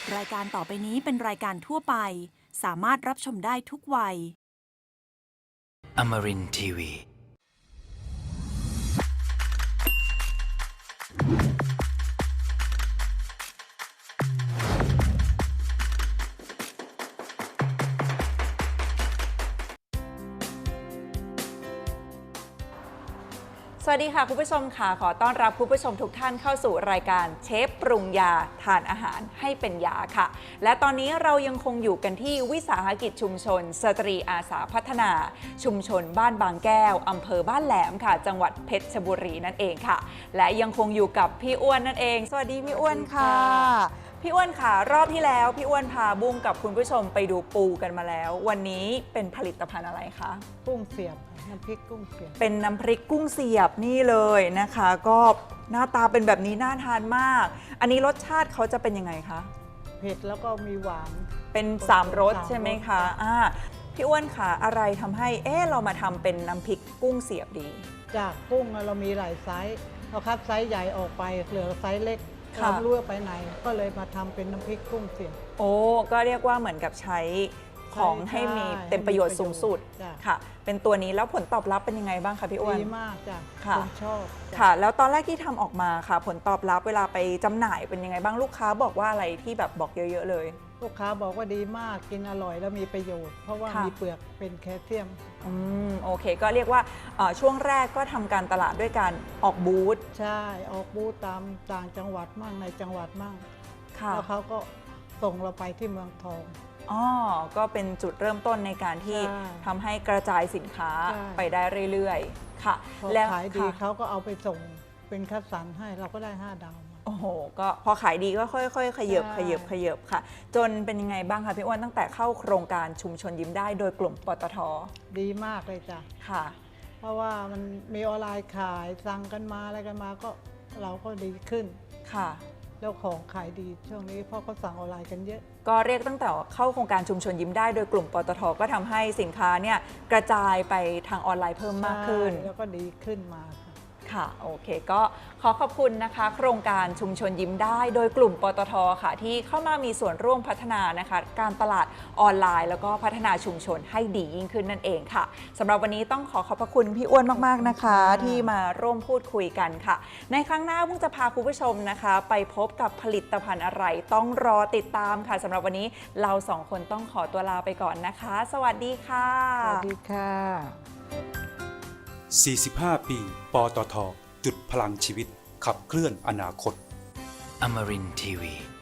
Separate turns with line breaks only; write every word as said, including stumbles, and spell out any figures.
รายการต่อไปนี้เป็นรายการทั่วไปสามารถรับชมได้ทุกวัย
Amarin ที วี
สวัสดีค่ะคุณผู้ชมค่ะขอต้อนรับคุณผู้ชมทุกท่านเข้าสู่รายการเชฟปรุงยาทานอาหารให้เป็นยาค่ะและตอนนี้เรายังคงอยู่กันที่วิสาหกิจชุมชนสตรีอาสาพัฒนาชุมชนบ้านบางแก้วอำเภอบ้านแหลมค่ะจังหวัดเพชรบุรีนั่นเองค่ะและยังคงอยู่กับพี่อ้วนนั่นเองสวัสดีพี่อ้วนค่ะพี่อ้วนค่ะรอบที่แล้วพี่อ้วนพาบุ้งกับคุณผู้ชมไปดูปูกันมาแล้ววันนี้เป็นผลิตภัณฑ์อะไรคะ
กุ้งเสียบน้ำพริกกุ้งเสียบ
เป็นน้ำพริกกุ้งเสียบนี่เลยนะคะก็หน้าตาเป็นแบบนี้น่าทานมาก อันนี้รสชาติเขาจะเป็นยังไงคะ
เผ็ดแล้วก็มีหวาน
เป็นสามรสใช่ไหมคะอ่าพี่อ้วนค่ะอะไรทำให้เอ๊ะเรามาทำเป็นน้ำพริกกุ้งเสียบดี
จากกุ้งเรามีหลายไซส์เราคัดไซส์ใหญ่ออกไปเหลือไซส์เล็กเราไม่รู้ว่าไปไหนก็เลยมาทำเป็นน้ำพริกกุ้งเสียบ
โอ้ก็เรียกว่าเหมือนกับใช้ของให้มีเต็มประโยชน์สูงสุดค่ะเป็นตัวนี้แล้วผลตอบรับเป็นยังไงบ้างคะพี่อ้วน
ดีมากจ้ะคนชอบ
ค่ะแล้วตอนแรกที่ทำออกมาค่ะผลตอบรับเวลาไปจำหน่ายเป็นยังไงบ้างลูกค้าบอกว่าอะไรที่แบบบอกเยอะๆเลย
ลูกค้าบอกว่าดีมากกินอร่อยแล้วมีประโยชน์เพราะว่ามีเปลือกเป็นแคลเซียม
อืมโอเคก็เรียกว่าช่วงแรกก็ทำการตลาดด้วยการออกบูธ
ใช่ออกบูธตามต่างจังหวัดมั่งในจังหวัดมั่งแล้วเขาก็ส่งเราไปที่เมืองทอง
อ๋อก็เป็นจุดเริ่มต้นในการที่ทำให้กระจายสินค้าไปได้เรื่อยๆค่ะ
แล้วขายดีเขาก็เอาไปส่งเป็นคัดสรรให้เราก็ได้ห้าดาว
โอ้โหก็พอขายดีก็ค่อยๆขยับขยับขยับค่ะจนเป็นยังไงบ้างคะพี่อ้วนตั้งแต่เข้าโครงการชุมชนยิ้มได้โดยกลุ่มปตท.
ดีมากเลยจ้ะ
ค่ะ
เพราะว่ามันมีออนไลน์ขายสั่งกันมาอะไรกันมาก็เราก็ดีขึ้น
ค่ะ
แล้วของขายดีช่วงนี้เพราะเขาสั่งออนไลน์กันเยอะ
ก็เรียกตั้งแต่เข้าโครงการชุมชนยิ้มได้โดยกลุ่มปตท.ก็ทำให้สินค้าเนี่ยกระจายไปทางออนไลน์เพิ่มมากขึ้น
แล้วก็ดีขึ้นมา
ค่ะโอเคก็ขอขอบคุณนะคะโครงการชุมชนยิ้มได้โดยกลุ่มปตท.ค่ะที่เข้ามามีส่วนร่วมพัฒนานะคะการตลาดออนไลน์แล้วก็พัฒนาชุมชนให้ดียิ่งขึ้นนั่นเองค่ะสำหรับวันนี้ต้องขอขอบพระคุณพี่อ้วนมากๆนะคะที่มาร่วมพูดคุยกันค่ะในครั้งหน้าพุ่งจะพาคุณผู้ชมนะคะไปพบกับผลิตภัณฑ์อะไรต้องรอติดตามค่ะสำหรับวันนี้เราสองคนต้องขอตัวลาไปก่อนนะคะสวัสดีค่ะ
สวัสดีค่ะ
สี่สิบห้า ปีปตท.จุดพลังชีวิตขับเคลื่อนอนาคต
Amarin ที วี